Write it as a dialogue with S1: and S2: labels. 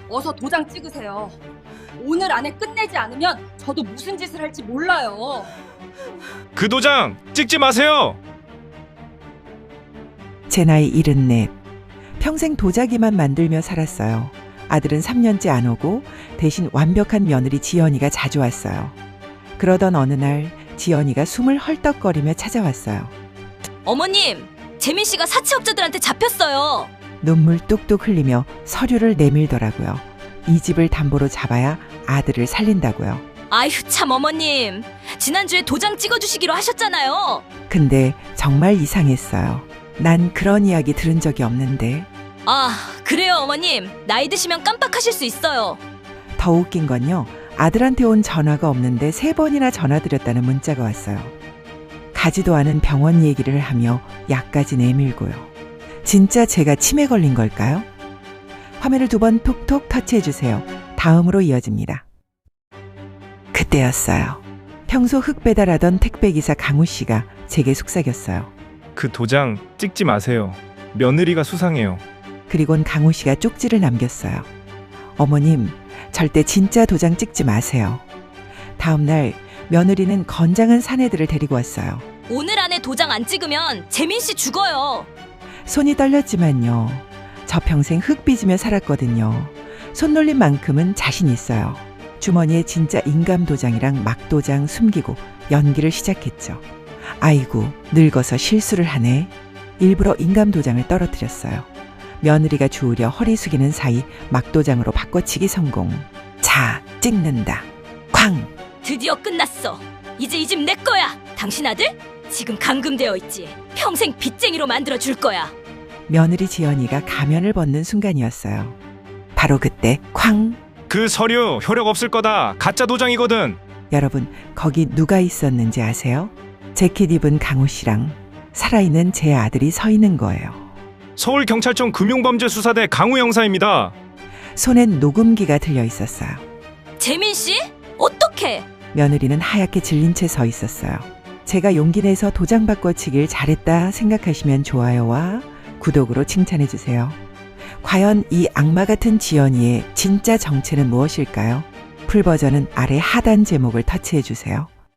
S1: 어서 도장 찍으세요. 오늘 안에 끝내지 않으면 저도 무슨 짓을 할지 몰라요.
S2: 그 도장 찍지 마세요.
S3: 제 나이 74. 평생 도자기만 만들며 살았어요. 아들은 3년째 안 오고 대신 완벽한 며느리 지연이가 자주 왔어요. 그러던 어느 날 지연이가 숨을 헐떡거리며 찾아왔어요.
S4: 어머님, 재민 씨가 사채업자들한테 잡혔어요.
S3: 눈물 뚝뚝 흘리며 서류를 내밀더라고요. 이 집을 담보로 잡아야 아들을 살린다고요.
S4: 아휴 참 어머님, 지난주에 도장 찍어주시기로 하셨잖아요.
S3: 근데 정말 이상했어요. 난 그런 이야기 들은 적이 없는데.
S4: 아 그래요 어머님, 나이 드시면 깜빡하실 수 있어요.
S3: 더 웃긴 건요, 아들한테 온 전화가 없는데 3번이나 전화드렸다는 문자가 왔어요. 가지도 않은 병원 얘기를 하며 약까지 내밀고요. 진짜 제가 치매 걸린 걸까요? 화면을 2번 톡톡 터치해주세요. 다음으로 이어집니다. 그때였어요. 평소 흙 배달하던 택배기사 강우 씨가 제게 속삭였어요.
S2: 그 도장 찍지 마세요. 며느리가 수상해요.
S3: 그리곤 강우 씨가 쪽지를 남겼어요. 어머님, 절대 진짜 도장 찍지 마세요. 다음 날 며느리는 건장한 사내들을 데리고 왔어요.
S4: 오늘 안에 도장 안 찍으면 재민 씨 죽어요.
S3: 손이 떨렸지만요. 저 평생 흙 빚으며 살았거든요. 손놀림만큼은 자신 있어요. 주머니에 진짜 인감 도장이랑 막 도장 숨기고 연기를 시작했죠. 아이고, 늙어서 실수를 하네. 일부러 인감 도장을 떨어뜨렸어요. 며느리가 주우려 허리 숙이는 사이 막도장으로 바꿔치기 성공. 자, 찍는다. 쾅!
S4: 드디어 끝났어. 이제 이 집 내 거야. 당신 아들? 지금 감금되어 있지. 평생 빚쟁이로 만들어 줄 거야.
S3: 며느리 지연이가 가면을 벗는 순간이었어요. 바로 그때 쾅!
S2: 그 서류 효력 없을 거다. 가짜 도장이거든.
S3: 여러분, 거기 누가 있었는지 아세요? 재킷 입은 강우 씨랑 살아있는 제 아들이 서 있는 거예요.
S2: 서울경찰청 금융범죄수사대 강우 형사입니다.
S3: 손엔 녹음기가 들려 있었어요.
S4: 재민 씨? 어떡해?
S3: 며느리는 하얗게 질린 채 서 있었어요. 제가 용기 내서 도장 바꿔치길 잘했다 생각하시면 좋아요와 구독으로 칭찬해주세요. 과연 이 악마 같은 지연이의 진짜 정체는 무엇일까요? 풀버전은 아래 하단 제목을 터치해주세요.